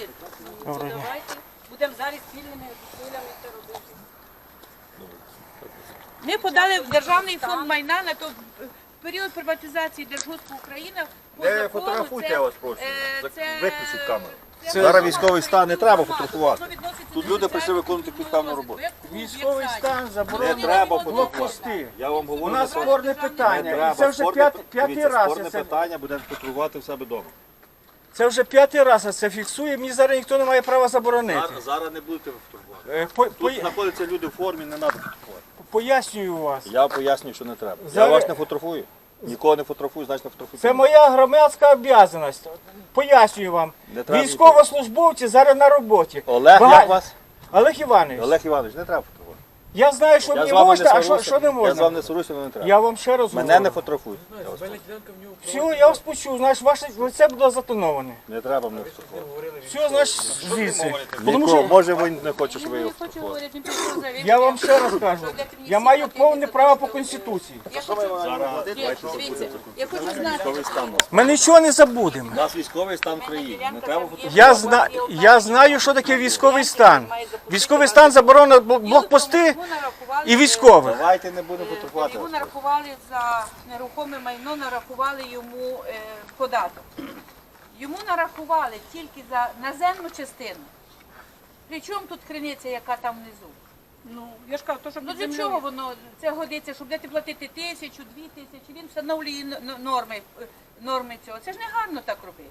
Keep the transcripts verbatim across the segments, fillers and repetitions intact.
Ігор, ну, давайте будемо зараз спільними зусиллями це робити. Ми подали в Державний фонд майна на то в період приватизації Держгоспу Україна. по Не закону фотографуйте, це, я вас прошу. е, це- Виключіть камеру. це Зараз сума військовий стан, не треба громади. фотографувати. Що відноситься Тут до люди прийшли соціальної виконувати культури підставну розвитку, роботу. як клуб, як Військовий садик. стан Не заборонений треба блокпости. Я вам говорю, У нас за спорне питання. Не треба. І це вже Спорне- п'ят- п'ятий дивіться, раз. Спорне я Це, питання будемо фотографувати в себе вдома. це вже п'ятий раз я це фіксує. Мені зараз ніхто не має права заборонити. Зараз, зараз не будете фотографувати. Е, по- Тут по- знаходяться люди в формі, не треба фотографувати. Пояснюю вас. Я пояснюю, що не треба. Я Зараз- вас не фотографую. Нікого не фотографую, значить не фотографую. Це моя громадська обов'язаність. Пояснюю вам. Не треба Військовослужбовці зараз на роботі. Олег, Бага- як вас? Олег Іванович, Олег Іванович, не треба фотографувати. я знаю, що Я з мені вами можна, не а що, сварюся. що не Я з вами можна. не сварюся, але не треба. Я вам ще раз Мене говорю. не фотографують. Я вас прошу. Все, я вас почув, значить, ваше лице буде затоноване. Не треба мене фотографувати. Все, значить, звідси. Тому Нікого, що може ви не хочете, щоб ви Я його не хочу фотографували. говорити, він прийшов заявити. я вам ще раз кажу, я маю повне право по Конституції. Я хочу, Ні, дивіться, я хочу знати. Ми нічого не забудемо. У нас військовий стан в країні. Не треба фотографувати. Я, зна... я знаю, що таке військовий стан. Військовий стан заборонено бл- блокпости і військових. Давайте не будемо фотографувати. Йому нарахували за нерухоме майно, нарахували йому е, податок. Йому нарахували тільки за наземну частину. Причому тут криниця, яка там внизу? Ну, я ж кажу, то, щоб Ну під для землею. чого воно це годиться, щоб дати платити тисячу, дві тисячі? Він встановлює н- н- норми, е, норми цього. Це ж не гарно так робити.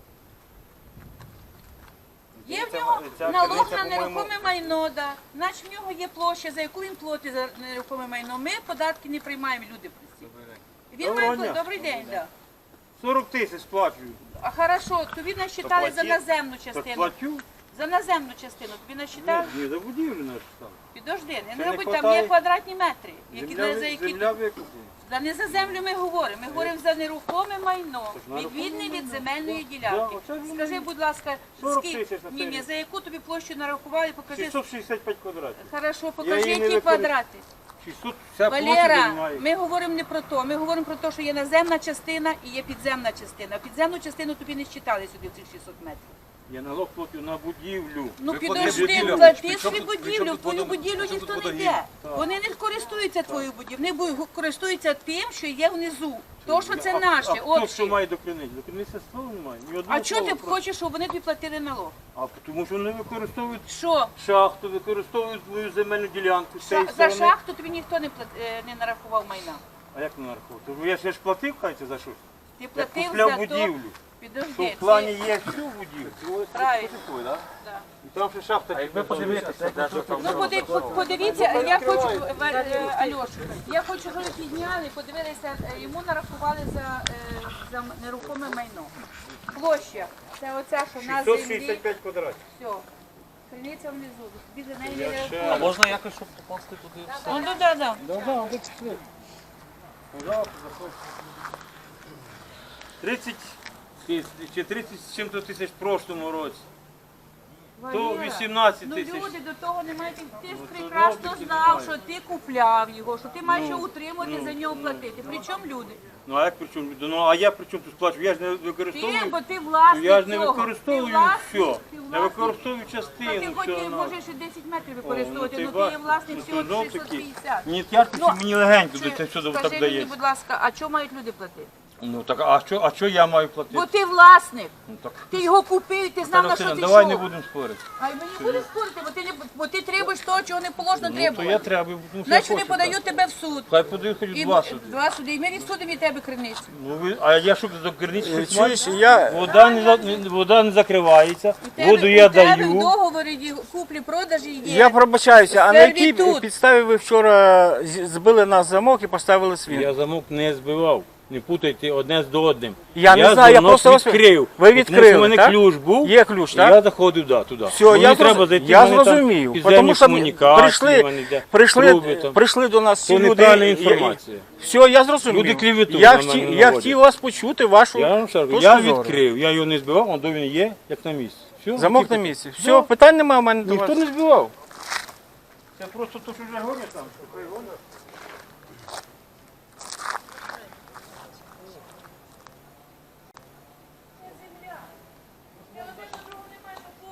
Є в нього налог на нерухоме майно, да. Значить в нього є площа, за яку він платить за нерухоме майно. Ми податки не приймаємо, люди прості. Він Доброго має дня. добрий день, да. сорок тисяч сплачую. А хорошо, тобі насчитали за наземну Так частину. платю? За наземну частину тобі насчитали? Ні, за будівлю наш стан. Підожди, не не мабуть, там хватає? є квадратні метри, які Земля, за які земля викуплена. Та не за землю ми говоримо, ми говоримо за нерухоме майно, нерухоме відвідне від майно. земельної Да, ділянки. оце воно Скажи, є. будь ласка, сорок скільки, тисяч на ні, ні, це. за яку тобі площу нарахували, покажи. шістсот шістдесят п'ять квадратів. Хорошо, покажи, її не які використовую. квадрати. шістсот, вся площа Валера, займає. ми говоримо не про то, ми говоримо про те, що є наземна частина і є підземна частина. Підземну частину тобі не считали сюди в цих шістсот метрів. Я налог платю на будівлю. Ну Ви підожди, будівлю. плати При чому свою тут- при будівлю, чому в тут твою водо- будівлю при чому ніхто тут не водогін? йде. Вони не користуються твоєю будівлею, вони бу- користуються тим, що є внизу. То, що це А- наше, А хто от що має до криниці? До криниці слова немає. Ні одного А чого ти слова про- хочеш, щоб вони тобі платили налог? А тому що вони використовують Що? шахту, використовують свою земельну ділянку. з цієї Ша- За сторони. шахту тобі ніхто не плат- е, не нарахував майна. А як не нараховувати? Тож я ще ж платив, хайте, за щось. Ти Я платив купляв за то. будівлю. Що Підожди, в плані це- є всю будівлю. правильно. Да? І там ще шахта. А якби подивитися, Ну поди- по- подивіться, я хочу, в- е, Альошу, я хочу, щоб ви підняли, подивилися, е, йому нарахували за, е, за нерухоме майно. Площа, це оця, що на шістсот землі, шістдесят п'ять квадратів. все. Криниця внизу, тобі за неї не Я ще- рахують. Можна якось, щоб попасти туди? Ну, да, да, да. тридцять тисяч, чи тридцять з чим-то тисяч в прошлому році. То Валера, вісімнадцять ну тисяч. люди до того не мають. Ти ж Ну, то прекрасно робити знав, немає. що ти купляв його, що ти маєш Ну, його утримувати, ну, за нього ну, платити. Причому люди? Ну а як при чому? Ну а я при чому тут сплачу? Я ж не Ти, використовую. бо ти Ну, власник я ж не цього. використовую Ти власник, все. ти Я власник. використовую Та ти частину. хоч і всього. можеш і десять метрів О, використовувати, ти ну ти бачиш, є власник ну, всього то знов шістсот таки. п'ятдесят. Ні, тяжко, Ну, чи мені легенько Чи- до це все Скажи так мені, дається. будь ласка, а чого мають люди платити? Ну так, а що, а що я маю платити? Бо ти власник. Ну, так. Ти його купив, і ти знав, на Наталя що Василівна, ти давай йшов. не будемо спорити. А й мені буде спорити, бо ти, не, бо ти требуєш того, чого не положено Ну, то я требувати. треба, тому що я Значить, вони хочу подають так. тебе в суд. Хай подають хоч І два суди. Два суди. І ми відсудимо від тебе криницю. Ну, ви, а я що до керниці щось маю? Чуєш, я Вода не, за- не- вода не закривається, У тебе, воду я у тебе в даю. договорі ді- куплі-продажі є. Я пробачаюся, а на якій Сервітут. підставі ви вчора з- збили нас замок і поставили світ? Я замок не збивав. Не путайте одне з одним. Я не знаю, я замок просто вас- відкрив. Ви Тому відкрили, що в мене так? ключ був, Є ключ, і так? я заходив да, туди. Все, Мені я, треба зроз- зайти, я в мене там зрозумів. підземні Тому що комунікації, в прийшли, мене йде прийшли, труби там. прийшли до нас всі Це люди. неправильна і- інформація. Все, я зрозумів. Люди клеветуть я, на хотів, мене я наводять. хотів вас почути, вашу Я вам скажу, точку я зору. відкрив, я його не збивав, он до він є, як на місці. Все, Замок тільки- на місці. Все, Да. питань немає в мене до Ніхто вас. не збивав. Це просто то, що вже гонять там, що хай гонять. Я один до другого не маю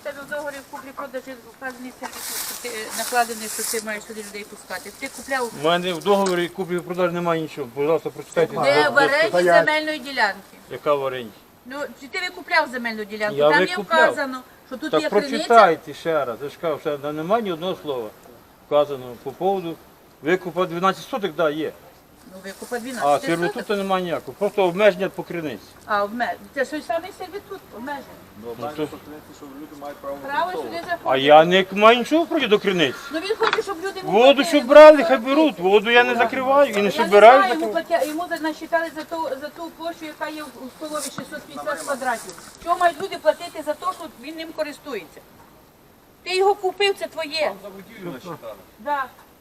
тебе в договорі в куплі-продажі вказаний сервіс, що ти е, накладений, що ти маєш сюди людей пускати. Ти купляв У мене в договорі купівлі продаж немає нічого. Пожалуйста, прочитайте. де в оренді земельної ділянки. Яка в оренді? Ну, чи ти викупляв земельну ділянку? Я Там є викупляв. вказано, що тут Так є криниця. прочитайте ще раз. Я ж кажу, що там немає ні одного слова вказаного по поводу викупа дванадцять соток, да, є. Ну, викупа А дванадцять соток. сервітуту немає ніякого. Просто обмеження по криниці. А, обмеж... Це ж той самий сервітут, обмежений. Ну, то- так, що люди мають право Право сюди заходити. А я не маю нічого проти до криниці. Ну він хоче, щоб люди йому Воду, платили, щоб бо брали, він хай беруть. Воду я не закриваю і не Я не собираю. знаю, йому, платя... йому за- насчитали за ту, за ту площу, яка є в у столові шістсот п'ятдесят квадратів. Чого мають люди платити за те, що він ним користується? Ти його купив, це твоє. За будівлю насчитали. Да.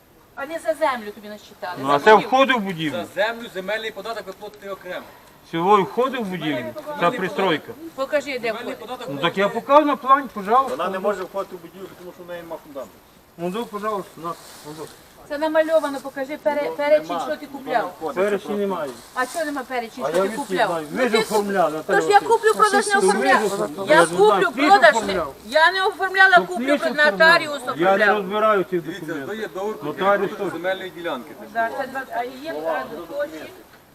А не за землю тобі насчитали. Ну За а це будівлю. входить в будівлю. За землю земельний податок ви платите окремо. Всього входить в будівлю. Ця пристройка. Покажи, де Земельний входить. податок Ну так я покажу на плані, пожалуйста. Вона не може входити в будівлю, тому що в неї немає фундаменту. Ну, да, пожалуйста, на. ну, Це намальовано, покажи пере... перечень, що ти купляв. Перечні немає. А чого нема перечень, А що я ти відки купляв? знаю. Ну, Ви ж ти оформляли, Наталя Тож я Василівна. куплю, продаж не оформляла. оформляли. Я Я ж знаю, куплю, ти ж продаж не. оформляв. Я не оформляла, куплю, Ти ж оформляв. нотаріус Я не оформляв. розбираю цих Дивіться, то документів. є договір про Нотаріус продаж теж. земельної ділянки. Да, це два- А є а, гроші?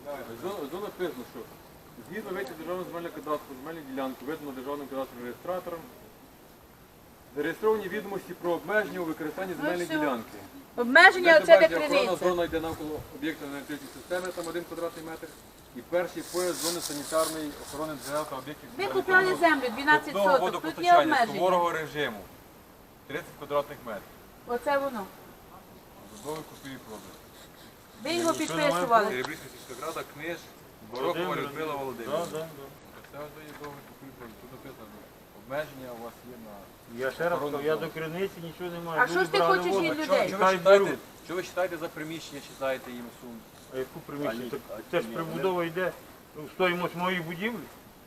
Зона написано, що згідно вийти державного земельного кадастру, земельну ділянку видано державним кадастровим реєстратором, зареєстровані відомості про обмеження у використанні земельної все. ділянки. Обмеження, Де оце де бачите, охоронна криниця. зона йде навколо об'єкта енергетичної системи, там один квадратний метр. І перший пояс зони санітарної охорони джерел та об'єктів. Ви купляли землю дванадцять Питного соток, тут є водопостачання обмеження. суворого режиму. тридцять квадратних метрів. Оце воно. Зубовий купівлі продаж. Ви його підписували. Ребрівська сільська рада, книж, Борокова Людмила Володимирівна. Да, да, да. Це ось є договір купівлі продаж. Тут написано, обмеження у вас є на... Я ще раз кажу, я до криниці нічого не маю. А що ж ти Брали хочеш воду. від Що, людей? що, ви Хай читаєте, беруть. що ви читаєте за приміщення, читаєте їм суму? А яку приміщення? Так Це ж прибудова йде в стоїмость моєї будівлі.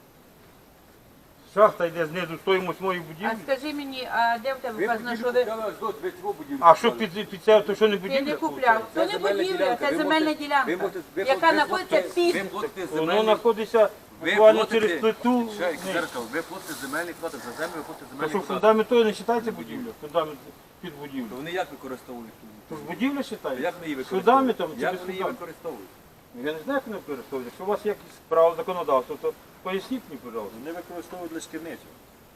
Шахта йде знизу в стоїмость моєї А будівлі. скажи мені, а де в тебе Ви вказано, будівлю що ви... купляли аж до третього будівлі. А що під, під це, то що не Ти будівля? не купляв. Це не земельна будівля, ділянка. це Ви земельна можете- ви ділянка, можете- ви яка платите- знаходиться ви під... платите Воно земельний- знаходиться Ви буквально платите- через плиту. Ще, Ні. зеркало, ви платите земельний платок, за землю ви платите То земельний що платок. фундамент того не вважається будівлю? Фундамент під будівлю. То вони як використовують? ту- То ж будівля вважається? Як вони її Фундаментом використовують? чи Як без вони її фундаменту? використовують? Я не знаю, як вони використовують. Якщо у вас є якісь право законодавства, то поясніть мені, пожалуйста. Вони використовують лише керницю.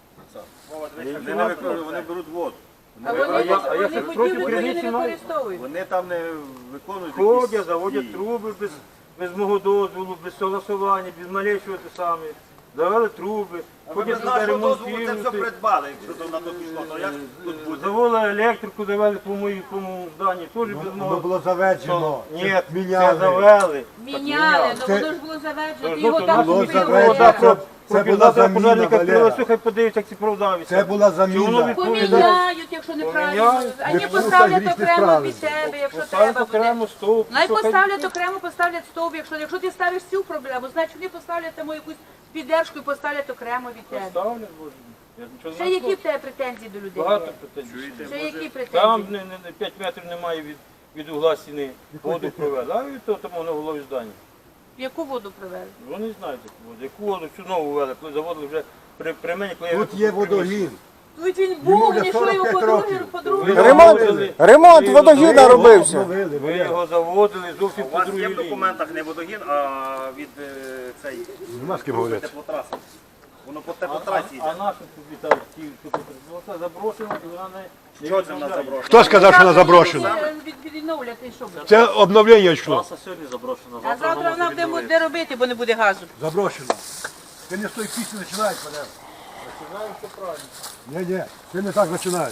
Я Вони, нічого не не використовують, вони беруть воду. А А вони, я- а я вони що, проти будівлю твою криниці не маю? використовують. Вони там не виконують Ходять, якісь заводять дії. труби без, без мого дозволу, без согласування, без малейшого те саме. Завели труби, Ви ходять без туди нашого дозволу це все ремонтують. придбали, якщо то на то пішло. То як тут буде? Завели електрику, завели по моїй по моєму зданні, теж без Воно мого. було заведено. Ні, Це це міняли. завели. Міняли, ну Це- воно ж було заведено, Тож, ти ну, його то там було купив. заведено. Вода Це- про це про була завтра заміна, пожежника Валера. привезли, хай подивиться, як ці продавиться. Це була Чи воно заміна. відповідає? Поміняють, якщо неправильно. Поміняють. А Ви не просто поставлять грішні окремо справи. під себе, якщо Поставити треба буде. окремо стовп. Най що хай- поставлять окремо, поставлять стовп. Якщо, якщо ти ставиш цю проблему, значить вони поставлять тому якусь піддержку і поставлять окремо від тебе. Ставлять, Боже. Я нічого Ще не які знаю. в тебе претензії до людей? Багато претензій. Ще які Там претензії? не, не, не, п'ять метрів немає від, від угла стіни. Воду провели, а від того тому на голові здання. Яку воду привели? Вони знають, яку воду. Яку воду всю нову ввели, коли заводили вже при, при мені, коли я Тут є водогін. Тут він Йому був, вже не що його сорок п'ять по-друге, років. по-друге. Ремонт, ремонт водогіна робився. Обновили. Ви його заводили зовсім У по вас другій є в лінії. документах не водогін, а від е, цей Нема з ким говорити. теплотраси. Воно по А, теплотрасі а йде. наша тобі так, ті, що тут ну, це заброшено, і вона не... Що це в нас заброшено? Хто сказав, що вона заброшена? Від- Відновляти, що буде? Це обновлення йшло. Траса сьогодні заброшена. А завтра вона буде де робити, бо не буде газу. Заброшена. Ти не з тої пісні починаєш, Валера. Починаємо, що правильно. Ні, ні, ти не так починаєш.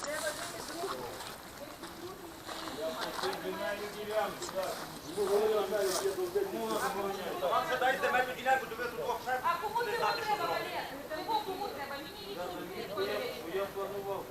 А кому це треба, Валер? Кому треба? Мені нічого не Я планував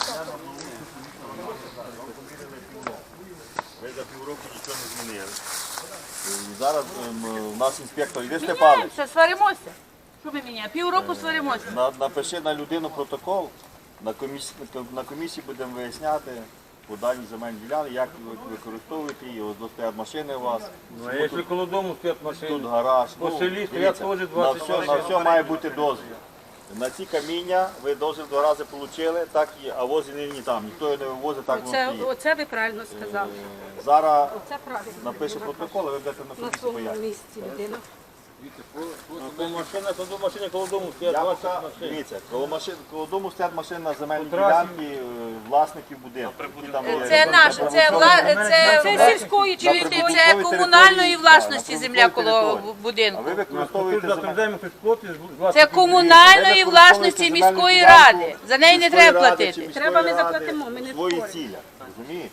Ви за півроку нічого не змінили. І зараз ем, у нас інспектор, іди Степанович, Міняємося, сваримося. Що ми міняємо? Півроку сваримося. на- напиши на людину протокол, на комісії, на комісії будемо виясняти по даній земельній ділянці, як ви використовуєте її, ось тут стоять машини у вас, Ну, а якщо коло дому стоять тут машини, гараж. по Ну, селі стоять дивіться, теж на двадцять все, на машин. все має бути дозвіл. На ці каміння ви дозвіл два рази отримали, так і, а возі не ні там, ніхто його не вивозить, так воно Це, стоїть. оце ви правильно сказали. Зараз Це правильно. напише протокол, і ви будете на На комісії своєму пояснити. місці людина. А то машина, то до машини коло дому стоять Я двадцять пока, машин. дивіться, коло, машин, коло дому стоять машини на земельній По трасі. ділянці е, власників будинку. які там є. Це наше, це, вла... це, Це сільської чи Чуєте, прибудинковій це території, комунальної так, власності на земля прибудинковій коло території. будинку. А ви Тут використовуєте земельну затверджаємо щось платить, Це комунальної власності міської ради. За неї не треба платити. Треба, ми заплатимо, ми не свої споримо. цілі, розумієте?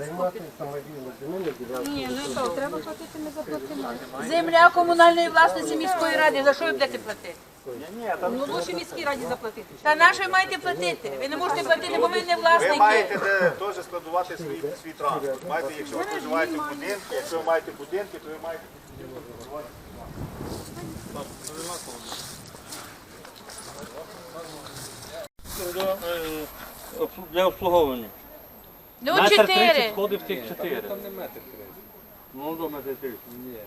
Ні, ну що, треба платити, ми заплатимо. Земля комунальної власності міської ради. За що ви будете платити? Ну, лучше міській раді заплатити. Та на що ви маєте платити? Ви не можете платити, бо ви не Ви власники. маєте де теж складувати свій, свій транспорт. Маєте, якщо ви проживаєте в будинку, якщо ви маєте будинки, то ви маєте Для обслуговування. Ну, Метр чотири. тридцять входить в тих чотири. Там не метр тридцять. Ну, до метр тридцять. Ні.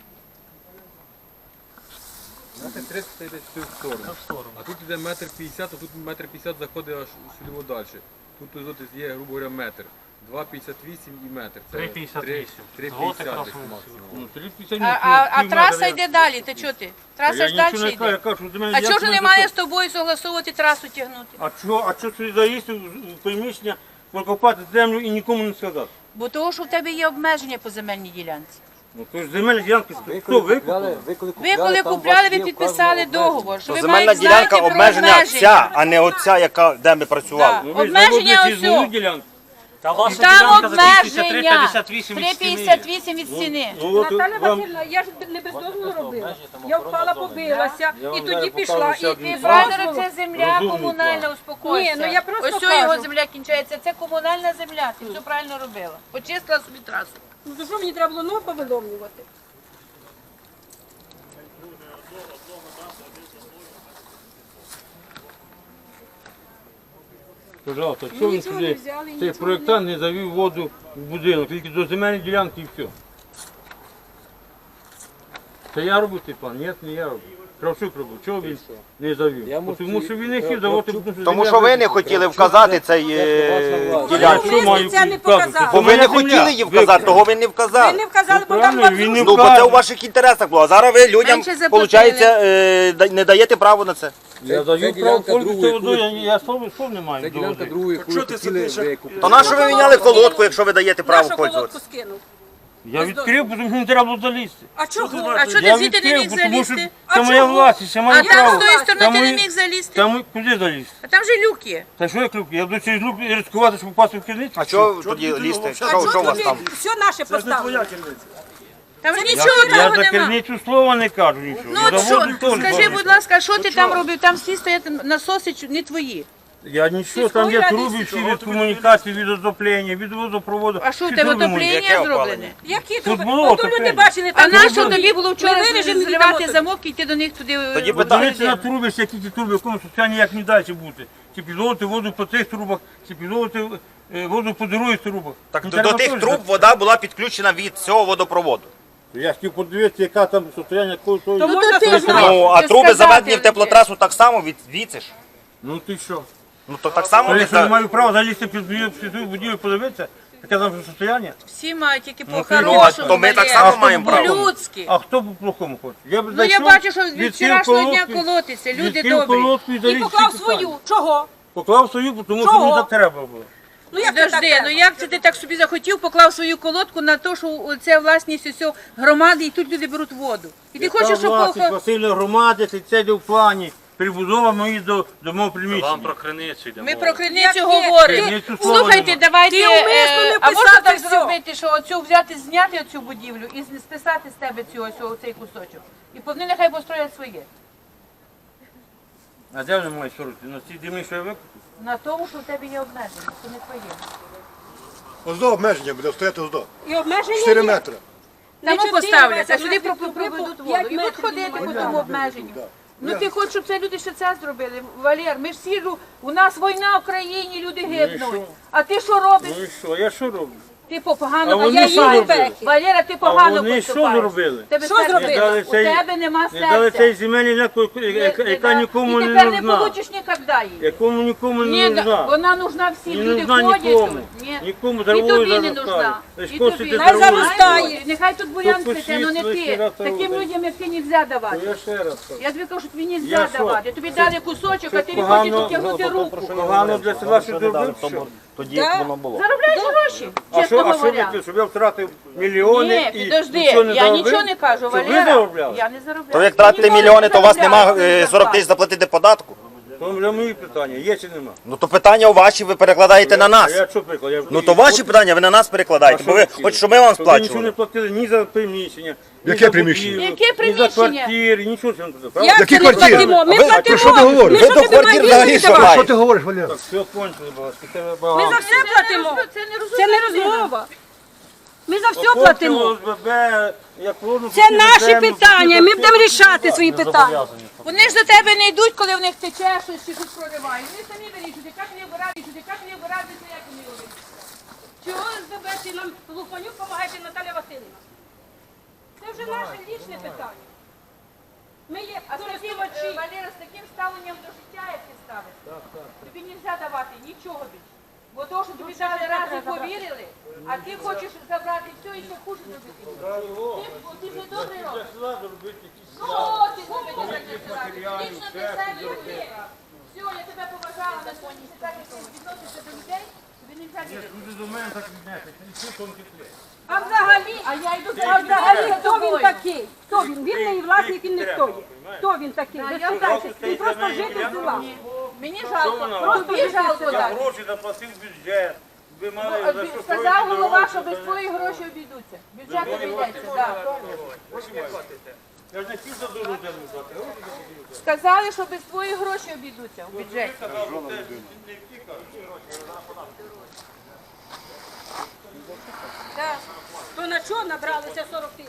Метр тридцять йде в цю сторону. А тут йде метр п'ятдесят, а тут метр п'ятдесят заходить аж сюди далі. Тут тут є, грубо говоря, метр. два п'ятдесят вісім і метр. Це три п'ятдесят вісім. три п'ятдесят максимум. Ну, три п'ятдесят А, вісім. а, а Пів траса метра. йде далі, ти чого ти? Траса Я ж нічого далі не кажу, я йде. кажу, що до мене А як чого ж мене немає за з тобою согласовувати трасу тягнути? А чого, а чого сюди заїсти в приміщення, викопати землю і нікому не сказати? Бо того, що в тебе є обмеження по земельній ділянці. Ну, то ж земельні ділянки, хто викупив? Ви коли купляли, ви підписали договор, що ви Земельна маєте ділянка знати про обмеження обмеження. ця, а не оця, яка, де ми працювали. Так. Ну, ви ж Обмеження заводите ось свою о. ділянку. Там обмеження три п'ятдесят вісім від стіни. Ну, от Наталя вам Васильівна, я ж не без дозволу робила. Я впала, побилася, Я і вам тоді зараз пішла. покажу ще І один Ти, без план. Федоре, дозволу. це земля Розумний комунальна, план. успокойся. Ні, ну я просто Ось цього його кажу. земля кінчається, це комунальна земля, ти все правильно робила. Почистила собі трасу. Ну то що мені треба було ну, повиломлювати? Пожалуйста, що він Нічого не сюди? взяли, Цей нічого проєктант не завів воду в будинок, тільки до земельної ділянки і все. Це я робив цей план? Ні, не я робив. Кравчук робив. Чого він не завів? Бо Тому що він не хотів давати, тому що Тому земля що ви не викупила. хотіли вказати цей е, Я ділянку. що маю це не вказувати? показали. Бо Це ви не моя земля. хотіли її вказати, того ви не Ви вказали. не вказали, бо там Правильно, вам він не Ну, бо вказує. це у ваших інтересах було. А зараз ви людям, Менше заплатили. виходить, е, да- не даєте право на це. Я завів право пользуватися водою, я, я слово, слов не маю. Це до ділянка води. другої, яку хотіли викупити. То на що ви міняли колодку, якщо ви даєте право нашу колодку пользуватися? скинув. Я відкрив, тому що не треба було залізти. А чого? А що Я ти звідти не відкрив, міг бо тому що залізти? це моя чого? власність, це А моє там право. з тої сторони Там ти не мої- міг залізти? Там куди залізти? А там же люк є. Та що я клюк? Я буду через люк ризикувати, щоб попасти в керницю? А чого тоді лізти? Що, що у вас там? Все наше поставили. Там же нічого Я такого за нема. керницю слова не кажу нічого. Ну Я от за що, воду теж скажи, кажу. будь ласка, що ти там робив? Там всі стоять насоси чу- не твої. Я нічого, там є труби всі від комунікації, від отоплення, від водопроводу. А що у Всі тебе труби мої. отоплення зроблене? Які Тут труби? було Ото люди отоплення. бачили, А там на труби. що тобі було вчора Ми виріжемо, зривати віддамо замок і йти до них туди? Тоді в би Подивіться на магазин? труби, які ті труби, в якому стані як не далі бути. Чи підловити воду по цих трубах, чи підловити е, воду по других трубах. Так Ну, до, треба до тих теж труб знати. вода була підключена від цього водопроводу. Я хотів подивитися, яка там состояння кого того. То Ну, можна то ти сказати. знаєш. Ну, а Це труби сказати заведені в вже. теплотрасу так само від звідси ж. Ну ти що? Ну то так само То від... якщо не маю права залізти під під ту будівлю подивитися, яке там состояння? Всі мають тільки Ну, по-хорошому. то ми так Валера. само маємо право. По-людськи. А хто по плохому хоче? Я б Ну я зайшов, бачу, що від відкрив вчорашнього дня колодку, колотиться, люди відкрив добрі. колодку і І заліз поклав всі питання. свою. Чого? Поклав свою, тому що Чого? мені так треба було. Ну як це так? Подожди, ну як це ти так собі захотів, поклав свою колодку на те, що це власність усього громади, і тут люди беруть воду. І ти хочеш, щоб власність похо- Васильної громади, це йде в плані. Прибудова мої до, до мого приміщення. Вам про криницю йде. Ми про криницю Як є? говоримо. Криницю слова Слухайте, нема. давайте, Ти умисно е, не а можна писати так всьо. зробити, що оцю взяти, зняти оцю будівлю і з- списати з тебе цю ось оцей кусочок. І вони нехай построять своє. А де вони мають сорок? На цій землі, що я викупив? На тому, що в тебе є обмеження, це не твоє. Ось до обмеження буде стояти ось до. І обмеження чотири є. метри. Тому чотири, поставляться, Вася, сюди в нас про- від проведуть тупику воду. І п'ять будуть ходити метрів по від тому обмеженню. Ну ти хочеш, щоб це люди ще це зробили? Валер, ми ж всі, жу- у нас війна в країні, люди гибнуть. А ти що робиш? Ну і що, я що роблю? Ти погано А вони поступаєш. що робили? Валера, ти погано вони що поступаєш. зробили? Тебе Що серця- зробили? Не дали У цей- тебе нема Не дали серця. цей земельний ляку, Не- яка не яка дали. нікому І не тепер не нужна. получиш ніколи її. Якому нікому Ні, не да- нужна. вона нужна всім. Не Люди нужна ходять нікому. тут. Ні. Нікому І травою тобі не заростає. нужна. Лиш І косити тобі. травою. заростає. Нехай тут буян Тут цвіте, але не посвітло, ти. раз Таким робить. людям, як ти, не можна давати. Я ще раз кажу. Я тобі кажу, що тобі не Я можна що? давати. Тобі дали кусочок, а Це ти не хочеш погано, дотягнути руку. Погано для села, що ти робив, що? Тоді як воно було. Заробляєш гроші, А чесно що, а що говоря. ви, щоб я втратив мільйони Ні, і підожди, нічого не я заробив? нічого не кажу, Щоб ви Валера. заробляли? Я не заробляю. То як тратите Ніхто не мільйони, то у вас заробляє, нема е, це сорок тисяч заплатити податку? То вже мої питання, є чи нема? Ну то питання ваші ви перекладаєте на А нас. я що приклад? Я... Ну то ваші питання ви на нас перекладаєте, бо ви хочете, щоб ми вам Щоб ви нічого не сплачували. платили ні за приміщення, ні Яке за приміщення? будівлю, Яке ні за приміщення? квартири, нічого цього не платили. Правда? Як Які це не квартири? платимо? Ми А ви- платимо. про що ти говориш? Ми Ви що до тобі квартир маємо взагалі їздити? що Що маєте? ти говориш, Валера? Так, все кончили, будь ласка, тебе Ми багато. за все платимо. Це не Це не розумно. розмова. Ми за все Окопці, платимо. ОСББ, як воно, Це хотіли наші землю, питання. Ми хотіли будемо рішати свої питання. Вони ж до тебе не йдуть, коли в них тече щось чи щось проривають. Вони самі вирішують, як вони вирадять, як вони вирадять, як вони роблять. Чого СББ нам Луханюк допомагає Наталя Васильівна? Це вже наше лічне питання. Ми є А з таким, користувачі. е, Валера, з таким ставленням до життя, як ти ставиш, тобі не можна давати нічого більше. Бо то, що тобі дали раз і повірили, а ти хочеш забрати все і ще хуже зробити. Ти, ти ж не добрий робиш. Ну, о, ти зробити так не села. Лічно для себе як ти. Все, я тебе поважала на сьогодні. Ти так як ти відносишся до людей, тобі не можна вірити. А взагалі, А я йду а взагалі, за хто він тобою. такий? Хто він? Він не власник, він не стоїть. Хто він такий? Ви я спитайте, він просто житель села. Мені жалко, вона? просто тобі жалко Я дати. гроші заплатив в бюджет. Ви мали Ну, за що сказав строїти голова, дороги, що без то- твоїх грошей обійдуться. Бюджет обійдеться, так. Я ж не хотів за дорогу землю платити. Гроші заплатив. Сказали, що без твоїх грошей обійдуться у бюджеті. Так. То на що набралися сорок тисяч?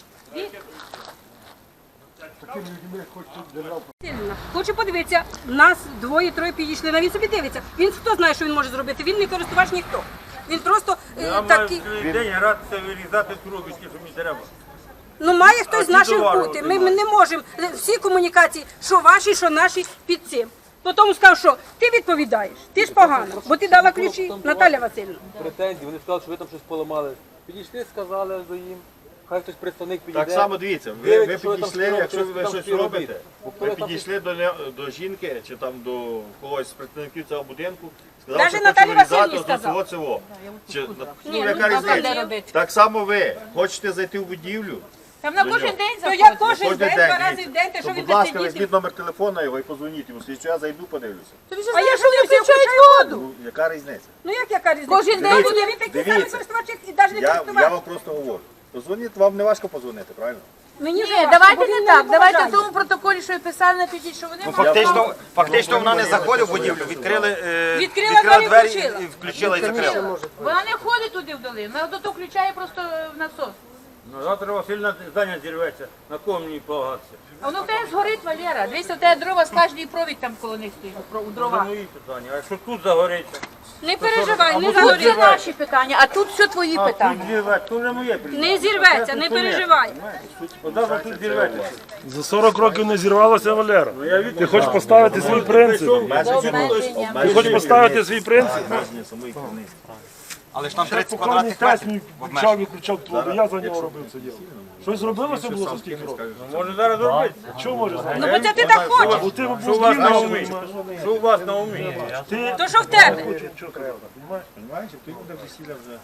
Сильно. Хочу подивитися, нас двоє-троє підійшли, на він собі дивиться. Він хто знає, що він може зробити? Він не користувач ніхто. Він просто е, Я маю такий. цілий день гратися, вирізати трубочки, що мені треба. Ну має хтось з ті наших товари бути. Ми, ми отримали. не можемо е, всі комунікації, що ваші, що наші, під цим. Потім сказав, що ти відповідаєш, ти ж погано, бо ти дала ключі, Наталя Васильівна. Претензії, вони сказали, що ви там щось поламали. Підійшли, сказали до їм. Хай хтось представник підійде. Так само дивіться, ви, Дивіться, ви що ви там підійшли, робите, якщо що ви ви там щось всі робите, робите. ви підійшли до, не- до жінки чи там до когось з представників цього будинку, сказали, Даже що Наталі хочу вирізати Васильівні ось сказав. цього. Чи, ну, Ні, яка ну, там де різниця? робити? Так само ви хочете зайти в будівлю, Там на До кожен нього. день То я заходять. кожен кожен день, день, два рази в дивіться. день, те, що то, він будь ласка, сидіти. візьміть номер телефона його і позвоніть йому. Якщо я зайду, подивлюся. Тобі ж А я знаєш, що не що включаю воду? Ну, яка різниця? Ну як яка різниця? Кожен день Він буде- він такий самий Дивіться. користувач, як і навіть не Я, я користувач. вам просто говорю. Позвоніть, вам не важко позвонити, правильно? Мені Ні, важко, давайте бо не він так. мене Давайте в поважає. тому протоколі, що ви писали, напишіть, що вони Ну, мають фактично, фактично вона не заходить в будівлю, відкрили, е, Відкрила двері, двері включила. і включила і закрила. Вона не ходить туди вдали, вона до того включає просто в насос. Ну, завтра Васильна здання зірветься. На кого мені полагатися? А воно в тебе згорить, Валера. Дивись, у тебе дрова з кожній провід там коло них стоїть, про- у Це дрова. мої питання. А якщо тут загориться? Не переживай, не Тут це загорить. наші питання, а тут все твої А тут питання. зірветься, то вже моє питання. Не зірветься, не переживай. Завтра тут зірветься. За сорок років не зірвалося, Валера. Ти хочеш поставити свій принцип? Ти хочеш поставити свій принцип? Обмеження самої керівниці. Але ж там тридцять Покойний квадратних тесть метрів. мій включав і включав твого, я за нього робив це діло. Щось зробилося було за стільки років? Може зараз зробити? Чого може знати? Ну бо це ти так хочеш. Бо ти був Що у вас на змінився, умі? розумієш? Що у вас на умі? Ти То що в тебе? що треба, розумієш? Понимаєш, ти буде весілля вже.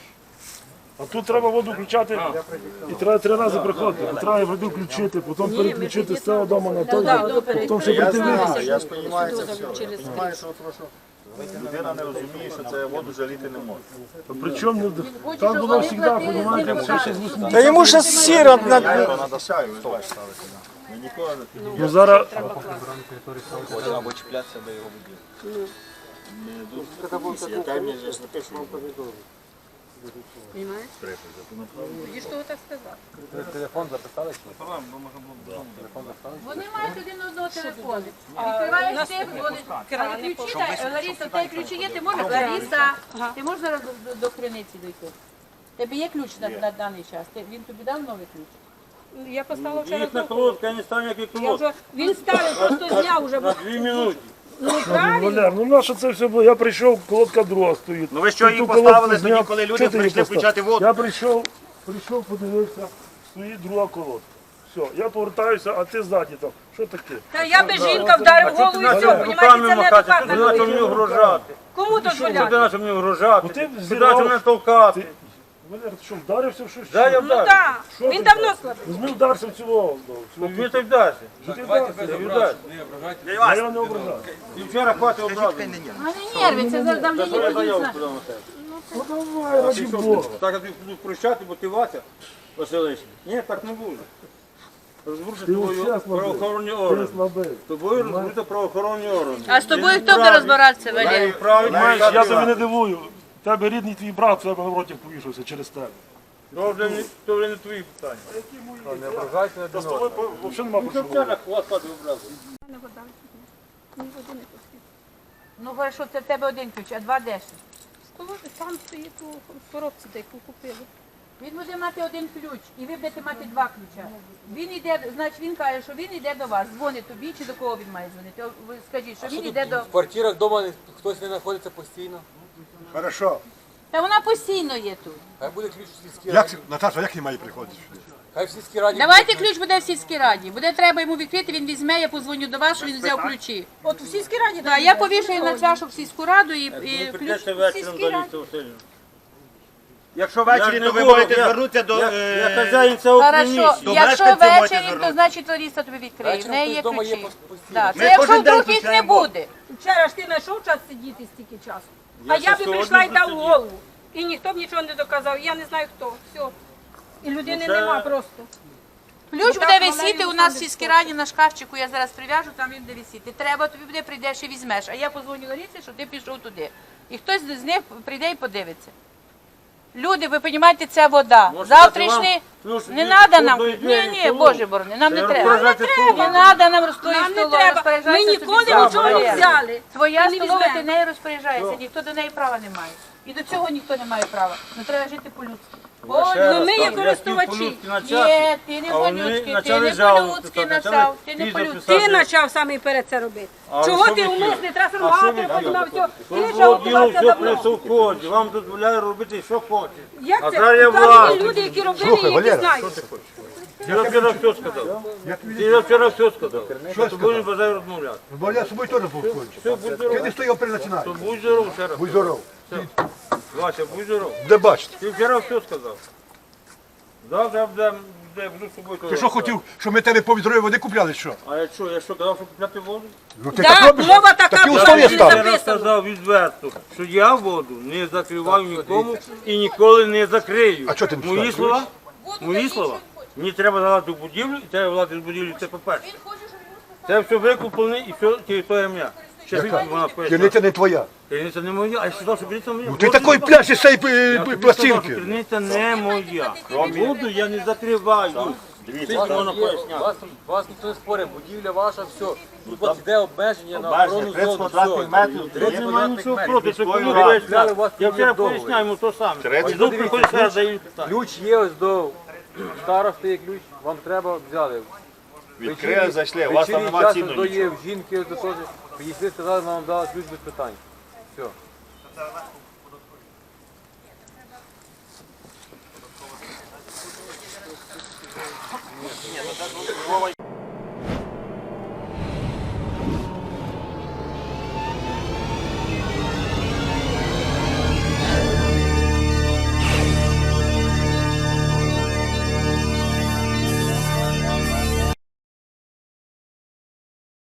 А тут треба воду включати і треба три рази приходити. Бо треба воду включити, потім переключити з цього дому на той, потім ще Я прийти в знаю, інший. я ж розумію це все. Я розумію, що просто людина не розуміє, що це воду жаліти не може. Причому не- так було завжди, розумієте, все ще з вісімдесят. Та йому ще сіра на Я його надашаю, ви ж бачите. Ми ніколи не Ну зараз або чіплятися до його воді. Яка мені ж напишу. Понимаєш? Тоді ж того так сказав. Телефон записали чи? Вони мають один одного телефону. Відкриваєш ти, вони... Але ключі, та, Лариса, в тебе ключі є, ти можеш, Лариса, ти можеш зараз до, до, до криниці дойти? Тебе є ключ на, на даний час? Ти, він тобі дав новий ключ? Я поставила вчора. Їх на трубку. колодка, я не став ніякий Я колодка. вже, він старий, просто зняв вже. На дві минути. Ну правильно. Валер, ну наше це все було. Я прийшов, колодка друга стоїть. Ну ви що Ти її ту колодку поставили тоді, зняв. коли люди Чого ти її прийшли поставив? включати воду? Я прийшов, прийшов, подивився, стоїть друга колодка. Все, я повертаюся, а ти ззаді там. Що таке? Та я би жінка вдарив голову і все, понімаєте, Руками це не махати, ти адекватно. почав мені вгрожати. Кому Що ти дозволяти? почав мені вгрожати? Ну, ти Ти зірвав. почав мене толкати. Ти- Валер, ти що, вдарився в щось? Да, я Ну вдарив. так, Що він ти давно слабий. Візьми вдарся в цілого. Він так вдасться. Ти вдарся. Я вдасться. Я його не ображаю. І вчора хватить образу. А не нерви, це за давлення Я заяву подійсно. подав на тебе. Ну давай, раді Бога. Так я тобі буду прощати, бо ти Вася Василич. Ні, так не буде. Розберуться Ти тобою взагалі слабий. правоохоронні Ти органи. слабий. З тобою розберуться правоохоронні органи. А з тобою хто буде розбиратися, Валерій? Правильно, маєш Я тебе не дивую. В тебе рідний твій брат, в тебе напротив повішався через тебе. То вже не, то вже не твої питання. Не ображайте один Та з тобою по- взагалі нема про що Що говорити. вчора хвост падав образу? Ну хорошо, це в тебе один ключ, а два де ще? Там стоїть у коробці, де яку купили. Він буде мати один ключ, і ви будете мати два ключа. Він йде, значить він каже, що він йде до вас, дзвонить тобі, чи до кого він має дзвонити? О, ви скажіть, що він йде до... В квартирах вдома хтось не знаходиться постійно. Хорошо. Та вона постійно є тут. Хай буде ключ в сільській Як, раді. Наташа, як не має приходити сюди? Хай в сільській раді. Давайте ключ буде в сільській раді. Буде треба йому відкрити, він візьме, я позвоню до вас, що він взяв ключі. От у сільській раді. Так, я повішаю на чашу в сільську раду і, і ключ Прийдете в вечором сільській до раді. Ліси Васильівни. Якщо Я ввечері, не то ви буду, можете я- звернутися до... Я, е, я хазяїн цього Хорошо, приміщення. До якщо мешканців можете ввечері, то звернутися. значить Лариса тобі відкриє. В Вечором неї є хтось вдома є ключі. постійно. Да. Ми Це якщо кожен день вдруг їх не включаємо буде. Вчора ж ти знайшов час сидіти стільки часу. А Я я ще би прийшла і сьогодні дав тут голову. І ніхто б нічого не доказав. Я не знаю хто. Все. І людини Ну, це- нема просто. Ключ Ну, буде так, висіти Валерій у нас в Олександрович сільській раді на шкафчику, я зараз прив'яжу, там він буде висіти. Треба, тобі буде, прийдеш і візьмеш. А я позвоню Ларисі, що ти пішов туди. І хтось з них прийде і подивиться. Люди, ви розумієте, це вода. Може, Завтрашні... вам ключ Не від треба нам. входу і Ні, двері ні, в село? Боже борони, нам не Це треба. розпоряджати Не столом. треба нам розстоїть Нам не столом, треба. Ми розпоряджайся ніколи собі сам. нічого не взяли. Твоя Ти не столова, візьмеш. ти нею розпоряджаєшся, ніхто до неї права не має. І до цього ніхто не має права. Ну треба жити по-людськи. Ну, ми є користувачі. Ні, ти не А вони по-людськи, ти почали не жалуватися, по-людськи почали почав, ти не пізно по-людськи. писати. Ти почав саме перед це робити. А Чого що ти ви умисне, треба що сургати, ви потім на все. Ти Тут вже було діло готувався все при давно. совхозі, вам дозволяє робити, що хочете. Як А це? зараз я Там є власник. люди, які робили, Слухай, і які Валера, знають. Я вчора все сказав. Я вчора все сказав. Що тобі не бажаю розмовляти. Бо я з собою теж був скончив. Все, будь Ти здоров. не стояв перед То будь здоров ще раз. Будь здоров. Вася, будь здоров. Де бачите? Ти вчора все сказав. Завтра я буду, буду, буду з собою. Ти що хотів, щоб ми тебе по відрою води купляли, що? А я що, я що казав, що купляти воду? Ну ти Да, так робиш? мова така Такі була, условия не стали. Я записано. розказав відверто, що я воду не закриваю нікому і ніколи не закрию. А чого ти не Мої скажеш? слова? Мої слова? Мені треба залати в будівлю, і треба влати з будівлі, це по-перше. Це все викуплене і все територія моя. Ще звідки вона поясняє. Криниця не твоя. Криниця не моя, а я сказав, що криниця моя. Ну ти такий пляж із цієї Я тобі сказав, що пластинки. криниця не моя. Воду я не закриваю. Скільки можна поясняти? Вас, вас ніхто не спорить, будівля ваша, все. Тут у вас йде обмеження на Обмеження охорону тридцять зону, квадратних все. метрів. Я не маю нічого метрів. проти, що Міської коли ради. поясняли. У вас Я є вчора договір. поясняю йому то саме. Тридцять. І тут приходить ще раз даю питання. Ключ є ось до старости є ключ, вам треба, взяли. Відкрили, зайшли, у вас там Вечірній нема час цінного до є нічого. в жінки, ось до теж. Підійшли, сказали, ми вам дали ключ без питань. Все. Вова